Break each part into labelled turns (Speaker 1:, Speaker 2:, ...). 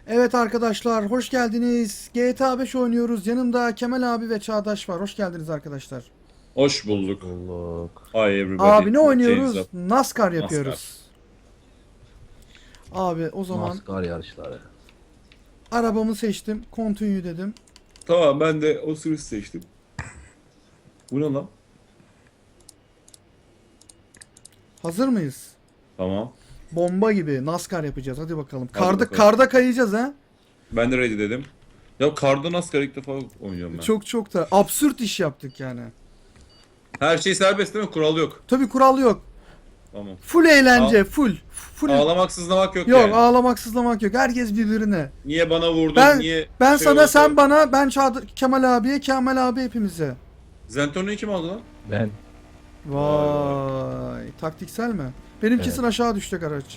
Speaker 1: Evet arkadaşlar, hoş geldiniz. GTA 5 oynuyoruz. Yanımda Kemal abi ve Çağdaş var. Hoş geldiniz arkadaşlar.
Speaker 2: Hoş
Speaker 3: Hoş
Speaker 2: bulduk.
Speaker 3: bulduk.
Speaker 2: Hi everybody.
Speaker 1: Abi ne
Speaker 2: What James
Speaker 1: oynuyoruz?
Speaker 2: up?
Speaker 1: NASCAR
Speaker 2: NASCAR.
Speaker 1: yapıyoruz. Abi o zaman
Speaker 3: NASCAR yarışları.
Speaker 1: arabamı seçtim. Continue dedim.
Speaker 2: Tamam ben de o sürüş seçtim. Bu ne lan?
Speaker 1: Hazır mıyız?
Speaker 2: Tamam.
Speaker 1: Bomba gibi NASCAR yapacağız. Hadi bakalım.
Speaker 2: Hadi
Speaker 1: Karda
Speaker 2: bakalım.
Speaker 1: karda kayacağız ha.
Speaker 2: Ben de ready dedim. Ya karda NASCAR ilk defa oynuyorum ben.
Speaker 1: Çok da absürt iş yaptık yani.
Speaker 2: Her şey serbest değil mi? Kural yok.
Speaker 1: Tabii kural yok.
Speaker 2: Tamam.
Speaker 1: Full eğlence, full.
Speaker 2: Ağlamak sızlamak yok
Speaker 1: Yok,
Speaker 2: yani.
Speaker 1: ağlamak, sızlamak yok. Herkes birbirine.
Speaker 2: Niye bana vurdun?
Speaker 1: Ben
Speaker 2: Niye
Speaker 1: ben
Speaker 2: şey
Speaker 1: sana,
Speaker 2: oldu?
Speaker 1: sen bana, ben Kemal abiye, Kemal abi hepimize.
Speaker 2: Zentorno'yu kim aldı lan?
Speaker 3: Ben
Speaker 1: Vay, taktiksel mi? Benim
Speaker 3: Evet.
Speaker 1: kesin aşağı düşecek araç.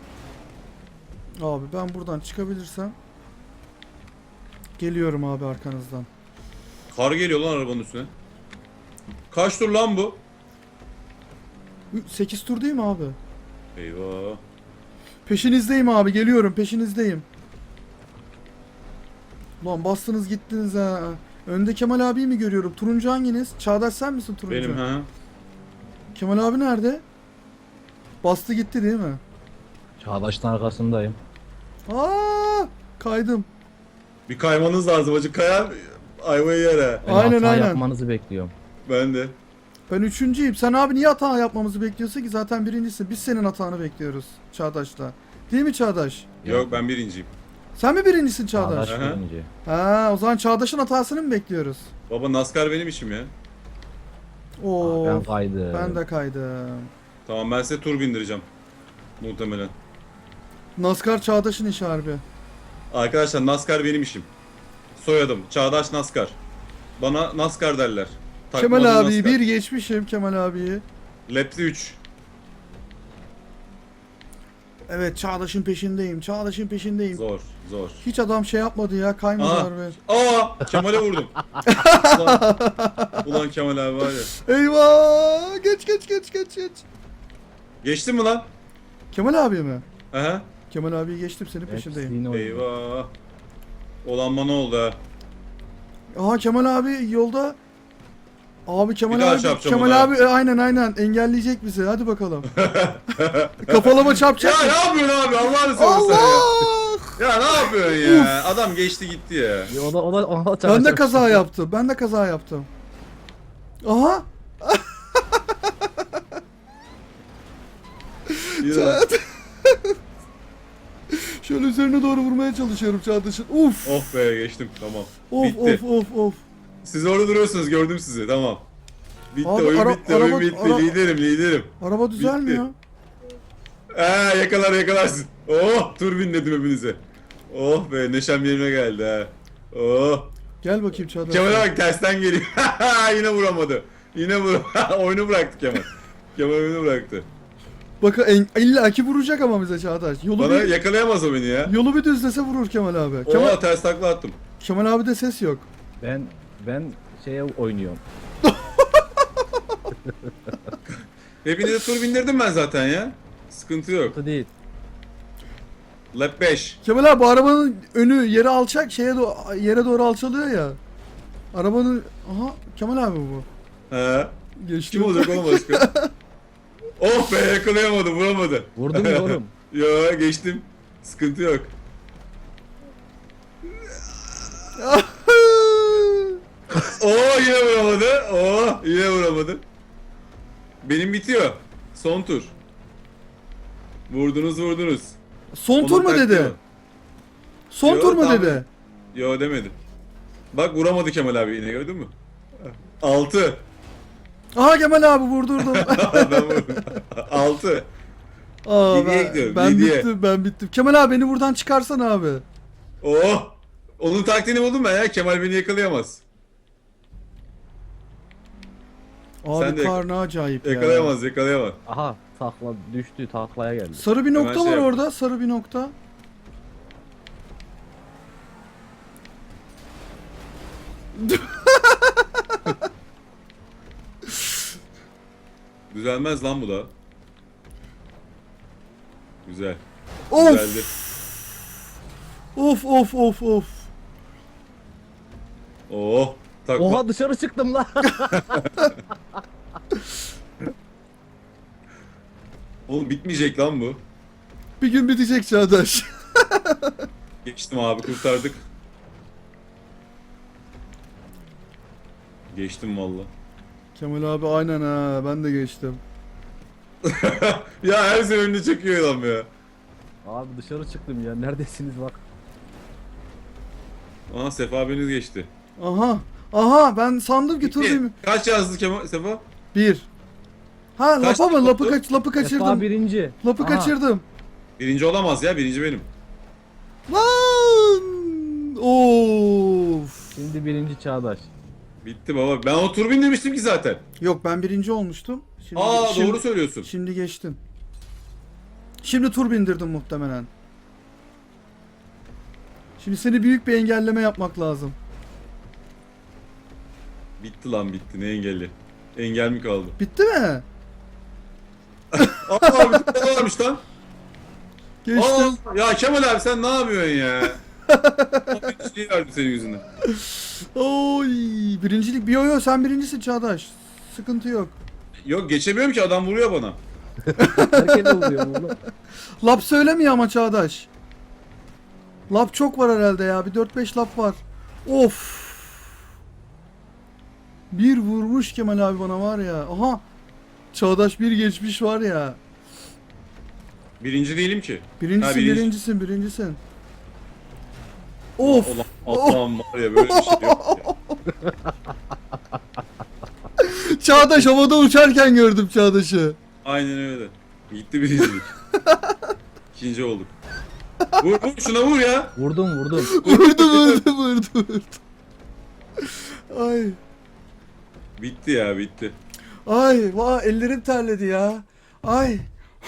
Speaker 1: Abi ben buradan çıkabilirsem geliyorum abi arkanızdan.
Speaker 2: Kar geliyor lan arabanın üstüne. Kaç tur lan bu?
Speaker 1: 8 tur değil mi abi?
Speaker 2: Eyvah.
Speaker 1: Peşinizdeyim abi, geliyorum, peşinizdeyim. Lan bastınız gittiniz ha. Önde Kemal abiyi mi görüyorum? Turuncu hanginiz? Çağdaş sen misin turuncu?
Speaker 2: Benim ha.
Speaker 1: Kemal abi nerede? Bastı gitti değil mi?
Speaker 3: Çağdaş'ın arkasındayım.
Speaker 1: Aa, kaydım.
Speaker 2: Bir kaymanız lazım acı. Kayan ayvayı yer ha.
Speaker 3: Ben
Speaker 1: Aynen,
Speaker 3: hata
Speaker 1: aynen.
Speaker 3: yapmanızı bekliyorum.
Speaker 2: Ben de.
Speaker 1: Ben üçüncüyüm. Sen abi niye hata yapmamızı bekliyorsun ki? Zaten birincisin. Biz senin hatanı bekliyoruz Çağdaş'la. Değil mi Çağdaş?
Speaker 2: Yok ben birinciyim.
Speaker 1: Sen mi birincisin Çağdaş?
Speaker 3: Çağdaş
Speaker 2: Aha.
Speaker 3: birinci.
Speaker 1: Ha, o zaman Çağdaş'ın hatasını mı bekliyoruz?
Speaker 2: Baba NASCAR benim işim ya.
Speaker 1: Oo,
Speaker 3: Ben kaydım.
Speaker 1: ben de kaydım.
Speaker 2: Tamam ben size tur bindireceğim. Muhtemelen.
Speaker 1: NASCAR Çağdaş'ın işi harbi.
Speaker 2: Arkadaşlar NASCAR benim işim. Soyadım Çağdaş NASCAR. Bana NASCAR derler. Takma
Speaker 1: Kemal
Speaker 2: adım
Speaker 1: abiyi
Speaker 2: NASCAR.
Speaker 1: bir geçmişim, Kemal abiyi.
Speaker 2: Lap'te 3.
Speaker 1: Evet, Çağdaş'ın peşindeyim. Çağdaş'ın peşindeyim.
Speaker 2: Zor zor.
Speaker 1: Hiç adam şey yapmadı ya, kaymadı
Speaker 2: Aa,
Speaker 1: harbi.
Speaker 2: Kemal'e vurdum. ulan Kemal abi var ya.
Speaker 1: Eyvah! Geç.
Speaker 2: Geçtin mi lan?
Speaker 1: Kemal abi mi?
Speaker 2: Aha.
Speaker 1: Kemal abiyi geçtim, senin peşindeyim.
Speaker 3: Hepsini oynuyor.
Speaker 2: Eyvah. Olan bana oldu ha.
Speaker 1: Aha, Kemal abi yolda. Abi
Speaker 2: Bir daha
Speaker 1: Kemal
Speaker 2: çarpacağım
Speaker 1: Kemal
Speaker 2: ona.
Speaker 1: abi aynen engelleyecek bizi. Hadi bakalım. Kafalama çarpacak
Speaker 2: Ya
Speaker 1: mı?
Speaker 2: ne yapıyorsun abi Allah'ını seversen ya.
Speaker 1: Allah!
Speaker 2: Ya ne yapıyorsun ya? Adam geçti gitti ya.
Speaker 3: Ya o da
Speaker 1: Ben de kaza yaptım. Ben de kaza yaptım. Aha!
Speaker 2: Ya.
Speaker 1: Şöyle üzerine doğru vurmaya çalışıyorum Çağdaş'ın. Uf!
Speaker 2: Oh be geçtim tamam.
Speaker 1: Of
Speaker 2: Bitti.
Speaker 1: of.
Speaker 2: Siz orada duruyorsunuz gördüm sizi tamam. Bitti
Speaker 1: Abi,
Speaker 2: oyun bitti oyun
Speaker 1: araba-
Speaker 2: bitti liderim.
Speaker 1: Araba düzelmiyor.
Speaker 2: Yakalarsın. Oh tur bindirdim hepinize. Oh be neşem yerine geldi ha. Oh.
Speaker 1: Gel bakayım Çağdaş.
Speaker 2: Kemal'e bak tersten geliyor. Yine vuramadı. Oyunu bıraktı Kemal. Kemal oyunu bıraktı.
Speaker 1: Bakın illa ki vuracak ama bize Çağdaş.
Speaker 2: Bana yakalayamaz o beni ya.
Speaker 1: Yolu bir düzlese vurur Kemal abi. Kemal,
Speaker 2: Oha ters takla attım.
Speaker 1: Kemal abi de ses yok.
Speaker 3: Ben şeye oynuyorum.
Speaker 2: Hepinize tur bindirdim ben zaten ya. Sıkıntı yok.
Speaker 3: Kötü değil.
Speaker 2: Lap 5.
Speaker 1: Kemal abi, bu arabanın önü yere alçak, yere doğru alçalıyor ya. Arabanın aha, Kemal abi bu.
Speaker 2: He.
Speaker 1: Geçti.
Speaker 2: Kim olacak oğlum başka? Oh be yakalayamadı vuramadı.
Speaker 3: Vurdum ya oğlum.
Speaker 2: Yo geçtim. Sıkıntı yok. Yine vuramadı. Yine vuramadı. Benim bitiyor. Son tur. Vurdunuz.
Speaker 1: Son tur
Speaker 2: Onun
Speaker 1: mu
Speaker 2: taktiği
Speaker 1: dedi?
Speaker 2: o.
Speaker 1: Son
Speaker 2: Yo,
Speaker 1: tur mu
Speaker 2: tamam.
Speaker 1: dedi?
Speaker 2: Yo demedi. Bak vuramadı Kemal abi yine gördün mü? 6.
Speaker 1: Aha, Kemal abi vurdurdum.
Speaker 2: Ben vurdum. 6.
Speaker 1: Aa,
Speaker 2: Yediye gidiyorum,
Speaker 1: ben
Speaker 2: yediye.
Speaker 1: bittim. Kemal abi, beni buradan çıkarsana abi.
Speaker 2: Onun taktiğini buldum ben ya. Kemal beni yakalayamaz. Sen
Speaker 1: Abi
Speaker 2: de
Speaker 1: kar ne acayip ya.
Speaker 2: Yakalayamaz.
Speaker 3: Aha düştü taklaya geldi.
Speaker 1: Sarı bir nokta
Speaker 2: Hemen şey
Speaker 1: var
Speaker 2: yap.
Speaker 1: orada. Sarı bir nokta.
Speaker 2: Düzelmez lan bu da. Güzel.
Speaker 1: Of!
Speaker 2: Düzeldi.
Speaker 1: Of of of of.
Speaker 2: Oh. Takla.
Speaker 3: Oha dışarı çıktım lan.
Speaker 2: Oğlum bitmeyecek lan bu.
Speaker 1: Bir gün bitecek Çağdaş.
Speaker 2: Geçtim abi, kurtardık. Geçtim valla.
Speaker 1: Kemal abi aynen ha, ben de geçtim.
Speaker 2: Ya her seferinde çekiyor adam ya.
Speaker 3: Abi dışarı çıktım ya. Neredesiniz bak.
Speaker 2: Aha Sefa abiniz geçti.
Speaker 1: Aha. Aha ben sandım ki tur
Speaker 2: İki.
Speaker 1: bir.
Speaker 2: Kaç yazdı Kemal Sefa?
Speaker 1: Bir. Ha
Speaker 2: Kaç
Speaker 1: lapa mı?
Speaker 2: oldu?
Speaker 1: Lapı
Speaker 3: Sefa
Speaker 1: kaçırdım.
Speaker 3: birinci.
Speaker 1: Lapı
Speaker 3: Aha.
Speaker 1: kaçırdım.
Speaker 2: Birinci olamaz ya, birinci benim.
Speaker 1: Lan! Of.
Speaker 3: Şimdi birinci Çağdaş.
Speaker 2: Bitti baba. Ben o tur bindirmiştim ki zaten.
Speaker 1: Yok ben birinci olmuştum. Şimdi,
Speaker 2: Aa
Speaker 1: şimdi,
Speaker 2: doğru söylüyorsun.
Speaker 1: Şimdi geçtin. Şimdi tur bindirdim muhtemelen. Şimdi seni büyük bir engelleme yapmak lazım.
Speaker 2: Bitti lan bitti. Ne engelli? Engel mi kaldı?
Speaker 1: Bitti mi?
Speaker 2: Aa bir tane varmış lan.
Speaker 1: Geçtim.
Speaker 2: Aa, ya Kemal abi sen ne yapıyorsun ya? Bir şey verdim senin yüzünden.
Speaker 1: Oy, birincilik bir yo sen birincisin Çağdaş. Sıkıntı yok.
Speaker 2: Yok geçemiyorum ki, adam vuruyor bana.
Speaker 3: Herkese oluyor oğlum.
Speaker 1: Lap söylemiyor ama Çağdaş. Lap çok var herhalde ya. Bir 4-5 lap var. Of. Bir vurmuş Kemal abi bana var ya. Aha. Çağdaş bir geçmiş var ya.
Speaker 2: Birinci değilim ki.
Speaker 1: Birincisin,
Speaker 2: Ha, birinci.
Speaker 1: birincisin. Of.
Speaker 2: Ulan Allah'ım var ya, böyle bir şey yok ya.
Speaker 1: Çağdaş havada uçarken gördüm Çağdaş'ı.
Speaker 2: Aynen öyle. Gitti birincilik. İkinci olduk. Vur vur şuna vur ya.
Speaker 3: Vurdum.
Speaker 1: Vurdu. Ay.
Speaker 2: Bitti ya bitti.
Speaker 1: Ay. Vay ellerim terledi ya. Ay.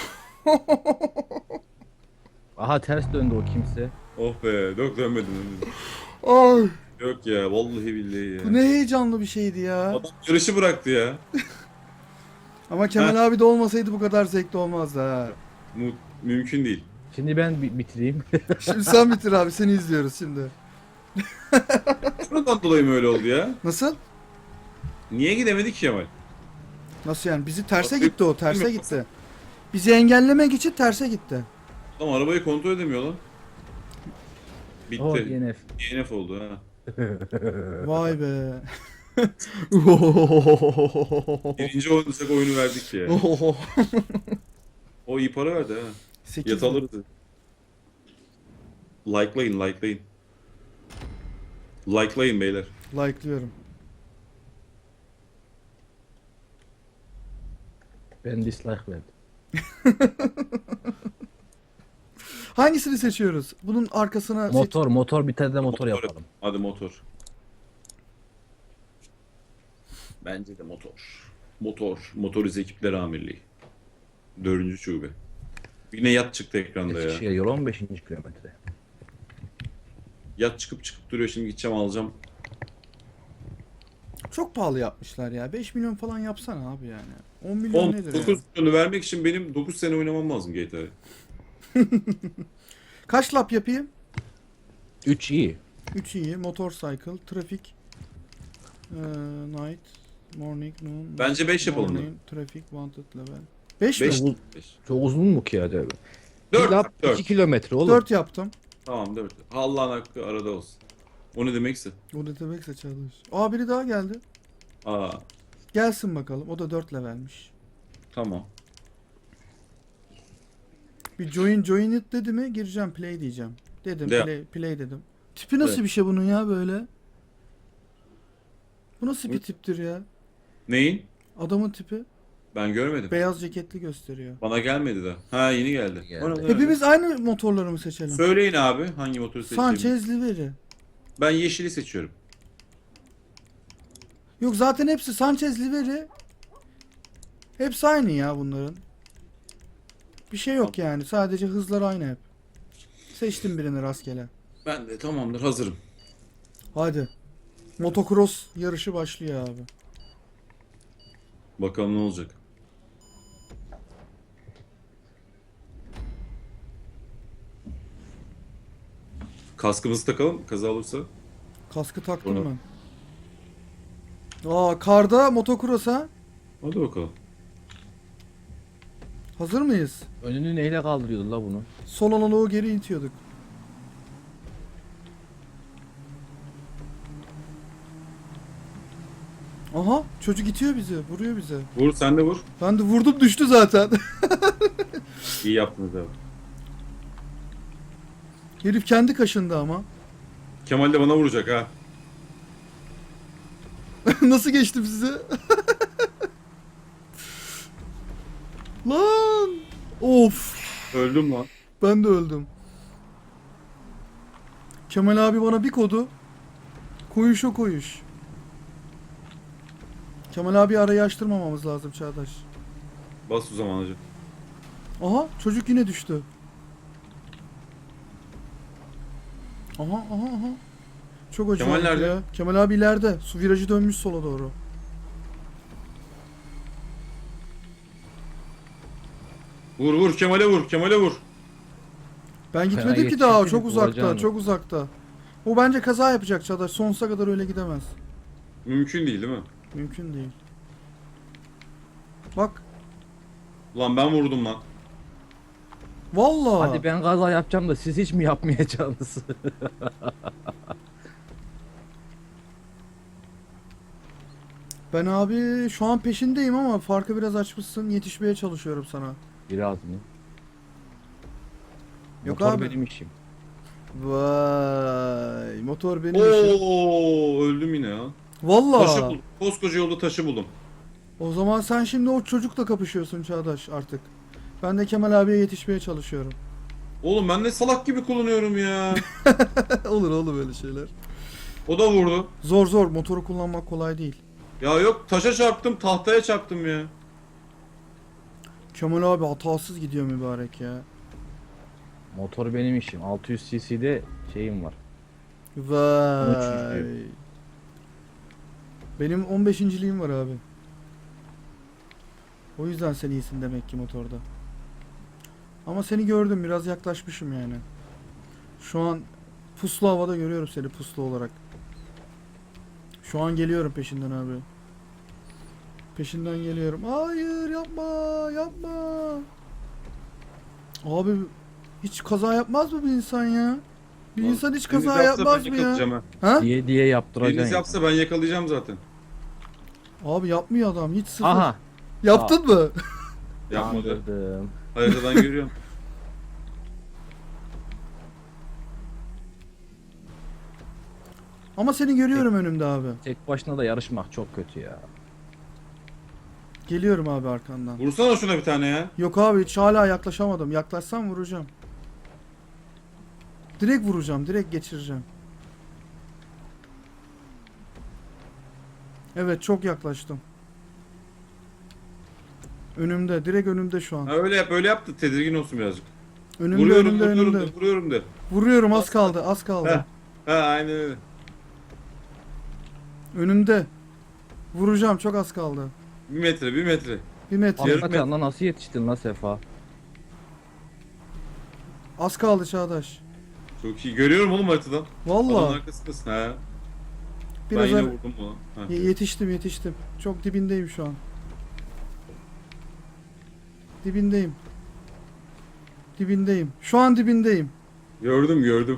Speaker 3: Aha ters döndü o kimse.
Speaker 2: Oh be, yok dönmedim.
Speaker 1: Ay.
Speaker 2: Yok ya, vallahi billahi ya.
Speaker 1: Bu ne heyecanlı bir şeydi ya.
Speaker 2: Adam yarışı bıraktı ya.
Speaker 1: Ama Kemal abi de olmasaydı bu kadar zevkli olmazdı ha.
Speaker 2: Mümkün değil.
Speaker 3: Şimdi ben bitireyim.
Speaker 1: Şimdi sen bitir abi, seni izliyoruz şimdi.
Speaker 2: Şuradan dolayı mı öyle oldu ya?
Speaker 1: Nasıl?
Speaker 2: Niye gidemedik ki Kemal?
Speaker 1: Nasıl yani? Bizi terse
Speaker 2: Bak,
Speaker 1: gitti o, terse gitti. Bizi engellemek için terse gitti.
Speaker 2: Adam arabayı kontrol edemiyor lan. Bitti.
Speaker 3: Oh DNF.
Speaker 2: DNF oldu ha.
Speaker 1: Vay be.
Speaker 2: Birinci oynasak oyunu verdik ya. O iyi para verdi ha.
Speaker 1: 8
Speaker 2: Yat alırdı. Likelayın. Likelayın beyler.
Speaker 1: like'lıyorum.
Speaker 3: Ben dislike verdim.
Speaker 1: Hangisini seçiyoruz? Bunun arkasına
Speaker 3: Motor bir tane de motor yapalım.
Speaker 2: Hadi motor. Bence de motor. Motorize Ekipler Amirliği. 4. şube. Yine yat çıktı ekranda ya.
Speaker 3: Eskişehir yol 15. kilometre.
Speaker 2: Yat çıkıp duruyor, şimdi gideceğim alacağım.
Speaker 1: çok pahalı yapmışlar ya. 5 milyon falan yapsana abi yani. 10 milyon nedir
Speaker 2: 9
Speaker 1: ya?
Speaker 2: milyonu vermek için benim 9 sene oynamam lazım GTA'yı.
Speaker 1: Kaç lap yapayım?
Speaker 3: 3 iyi.
Speaker 1: 3 iyi. Motorcycle, trafik, night, morning, noon.
Speaker 2: Bence 5 yapalım da.
Speaker 1: morning, traffic, wanted level. 5 mi?
Speaker 2: 5.
Speaker 3: Çok uzun mu ki ya?
Speaker 2: 4.
Speaker 3: 2 kilometre oğlum.
Speaker 1: 4 yaptım.
Speaker 2: Tamam 4. Allah'ın hakkı arada olsun. O ne demekse.
Speaker 1: O da demekse Çağdaş. Aa biri daha geldi.
Speaker 2: Aa
Speaker 1: Gelsin bakalım. O da 4 levelmiş.
Speaker 2: tamam.
Speaker 1: Bir join it dedi mi gireceğim, play diyeceğim. Dedim,
Speaker 2: De.
Speaker 1: play dedim. Tipi nasıl
Speaker 2: Evet.
Speaker 1: bir şey bunun ya böyle? Bu nasıl bir tiptir ya?
Speaker 2: Neyin?
Speaker 1: Adamın tipi
Speaker 2: Ben görmedim.
Speaker 1: beyaz ceketli gösteriyor.
Speaker 2: Bana gelmedi de. Ha yeni geldi.
Speaker 3: Geldi.
Speaker 2: Bana-
Speaker 1: Hepimiz aynı motorları mı seçelim?
Speaker 2: Söyleyin abi hangi motoru seçeyim.
Speaker 1: Sanchez Liveri.
Speaker 2: Ben yeşili seçiyorum.
Speaker 1: Yok zaten hepsi Sanchez Liveri. Hepsi aynı ya bunların. Bir şey yok yani. Sadece hızlar aynı hep. Seçtim birini rastgele.
Speaker 2: Ben de tamamdır, hazırım.
Speaker 1: Hadi. Motocross yarışı başlıyor abi.
Speaker 2: Bakalım ne olacak. Kaskımızı takalım kaza olursa.
Speaker 1: Kaskı taktım
Speaker 2: Onu-
Speaker 1: ben. Aa, karda motokrosa.
Speaker 2: Hadi bakalım.
Speaker 1: Hazır mıyız?
Speaker 3: Önünü neyle kaldırıyordun la bunu?
Speaker 1: Sol analoğu geri itiyorduk. Aha, çocuk itiyor bizi, vuruyor bize.
Speaker 2: Vur sen de vur.
Speaker 1: Ben de vurdum, düştü zaten.
Speaker 2: İyi yaptınız abi.
Speaker 1: Herif kendi kaşındı ama.
Speaker 2: Kemal de bana vuracak ha.
Speaker 1: Nasıl geçtim size? Lan! Of!
Speaker 2: Öldüm lan.
Speaker 1: Ben de öldüm. Kemal abi bana bir kodu. Koyuş o koyuş. Kemal abi arayı açtırmamamız lazım Çağdaş.
Speaker 2: Bas o zaman hacı.
Speaker 1: Aha, çocuk yine düştü. Aha aha aha. Çok acayip
Speaker 2: Kemal nerede?
Speaker 1: ya. Kemal abi ileride. Su virajı dönmüş sola doğru.
Speaker 2: Vur vur Kemal'e vur. Kemal'e vur.
Speaker 1: Ben gitmedim ki
Speaker 3: yetişecek
Speaker 1: daha.
Speaker 3: dedik,
Speaker 1: Çok uzakta.
Speaker 3: vuracağını.
Speaker 1: Çok uzakta. O bence kaza yapacak Çağdaş. Sonsuza kadar öyle gidemez.
Speaker 2: Mümkün değil mi?
Speaker 1: Mümkün değil. Bak.
Speaker 2: Ulan ben vurdum lan.
Speaker 1: Vallahi.
Speaker 3: Hadi ben kaza yapacağım da siz hiç mi yapmayacaksınız?
Speaker 1: Ben abi şu an peşindeyim ama farkı biraz açmışsın. Yetişmeye çalışıyorum sana.
Speaker 3: Biraz mı?
Speaker 1: Yok
Speaker 3: Motor
Speaker 1: abi.
Speaker 3: benim işim.
Speaker 1: Vay. Motor benim işim.
Speaker 2: Oo öldüm yine ya. Taşı
Speaker 1: Vallahi.
Speaker 2: buldum. Koskoca yolda taşı buldum.
Speaker 1: O zaman sen şimdi o çocukla kapışıyorsun Çağdaş artık. Ben de Kemal abiye yetişmeye çalışıyorum.
Speaker 2: Oğlum ben ne salak gibi kullanıyorum ya.
Speaker 1: Olur oğlum böyle şeyler.
Speaker 2: O da vurdu.
Speaker 1: Zor zor motoru kullanmak kolay değil.
Speaker 2: Ya yok taşa çarptım tahtaya çarptım ya.
Speaker 1: Kemal abi hatasız gidiyor mübarek ya.
Speaker 3: Motor benim işim. 600 cc'de şeyim var.
Speaker 1: Vay.
Speaker 3: 13.
Speaker 1: Benim 15.liğim var abi. O yüzden sen iyisin demek ki motorda. Ama seni gördüm, biraz yaklaşmışım yani. Şu an puslu havada görüyorum seni, puslu olarak. Şu an geliyorum peşinden abi. Peşinden geliyorum. Hayır, yapma yapma. Abi hiç kaza yapmaz mı bir insan ya? Bir
Speaker 2: Lan,
Speaker 1: insan hiç
Speaker 2: Deniz
Speaker 1: kaza
Speaker 2: yapsa
Speaker 1: yapmaz
Speaker 2: ben
Speaker 1: mı ya?
Speaker 2: yakalayacağım ha.
Speaker 1: Ha?
Speaker 3: Diye
Speaker 2: Deniz
Speaker 3: yaptıracaksın.
Speaker 2: yapsa ben yakalayacağım zaten.
Speaker 1: Abi yapmıyor adam, hiç sıfır.
Speaker 3: Aha.
Speaker 1: Yaptın mı?
Speaker 2: Yapmadı.
Speaker 3: Kandırdım.
Speaker 2: Haritadan görüyorum.
Speaker 1: Ama seni görüyorum önümde abi.
Speaker 3: Tek başına da yarışmak çok kötü ya.
Speaker 1: Geliyorum abi arkandan.
Speaker 2: Vursana şuna bir tane ya.
Speaker 1: Yok abi hiç hala yaklaşamadım. Yaklaşsam vuracağım. Direkt vuracağım. Direkt geçireceğim. Evet çok yaklaştım. Önümde. Direkt önümde şu an.
Speaker 2: Ha, öyle yap öyle yap da tedirgin olsun birazcık.
Speaker 1: Önümde
Speaker 2: Vuruyorum
Speaker 1: önümde
Speaker 2: vuruyorum
Speaker 1: önümde.
Speaker 2: de vuruyorum de.
Speaker 1: Vuruyorum, az kaldı az kaldı.
Speaker 2: Heh. Ha aynen öyle.
Speaker 1: Önümde. Vuracağım, çok az kaldı.
Speaker 2: 1 metre 1 metre.
Speaker 1: 1 metre.
Speaker 2: Yarım
Speaker 3: Hakikaten lan nasıl yetiştin lan Sefa?
Speaker 1: Az kaldı Çağdaş.
Speaker 2: Çok iyi. Görüyorum oğlum haritadan. Adamın
Speaker 1: Vallahi
Speaker 2: arkasındasın ha. Ben
Speaker 1: biraz
Speaker 2: yine
Speaker 1: ar-
Speaker 2: vurdum bunu. Ha.
Speaker 1: yetiştim. Çok dibindeyim şu an. Dibindeyim. Dibindeyim. Şu an dibindeyim.
Speaker 2: Gördüm gördüm.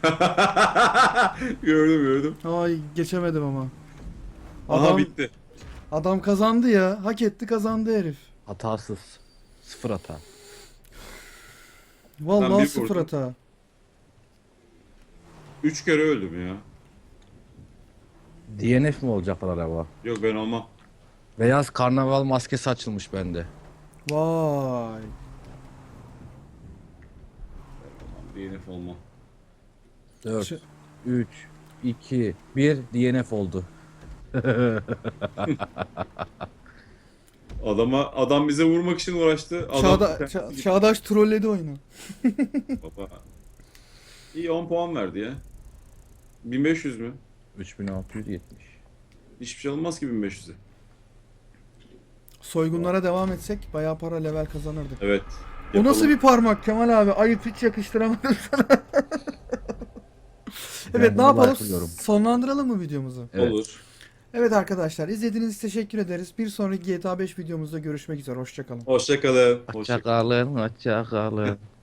Speaker 2: gördüm.
Speaker 1: Ay geçemedim ama.
Speaker 2: Aha bitti.
Speaker 1: Adam kazandı ya. Hak etti, kazandı herif.
Speaker 3: Hatasız. Sıfır hata.
Speaker 2: Ben
Speaker 1: Vallahi
Speaker 2: bir
Speaker 1: sıfır
Speaker 2: vurdum.
Speaker 1: hata.
Speaker 2: 3 kere öldüm ya.
Speaker 3: DNF mi olacaklar araba?
Speaker 2: Yok ben olmam.
Speaker 3: Beyaz karnaval maskesi açılmış bende.
Speaker 1: Vay.
Speaker 2: DNF olmam.
Speaker 3: 4,
Speaker 1: Şu-
Speaker 3: 3, 2, 1 DNF oldu.
Speaker 2: Adam bize vurmak için uğraştı. Adam
Speaker 1: Çağdaş trolledi oyunu.
Speaker 2: Baba. İyi 10 puan verdi ya. 1500 mü?
Speaker 3: 3670.
Speaker 2: Hiçbir şey olmaz ki 1500'e.
Speaker 1: Soygunlara devam etsek bayağı para, level kazanırdık.
Speaker 2: Evet.
Speaker 1: O nasıl
Speaker 2: yapalım.
Speaker 1: bir parmak Kemal abi? Ayıp, hiç yakıştıramadım sana. Evet, ne
Speaker 3: bunu
Speaker 1: yapalım?
Speaker 3: like'lıyorum.
Speaker 1: Sonlandıralım mı videomuzu?
Speaker 3: Evet.
Speaker 2: Olur.
Speaker 1: Evet arkadaşlar, izlediğiniz için teşekkür ederiz. Bir sonraki GTA 5 videomuzda görüşmek üzere. Hoşça kalın.
Speaker 2: Hoşça kalın.
Speaker 3: Hoşça kalın, hoşça kalın.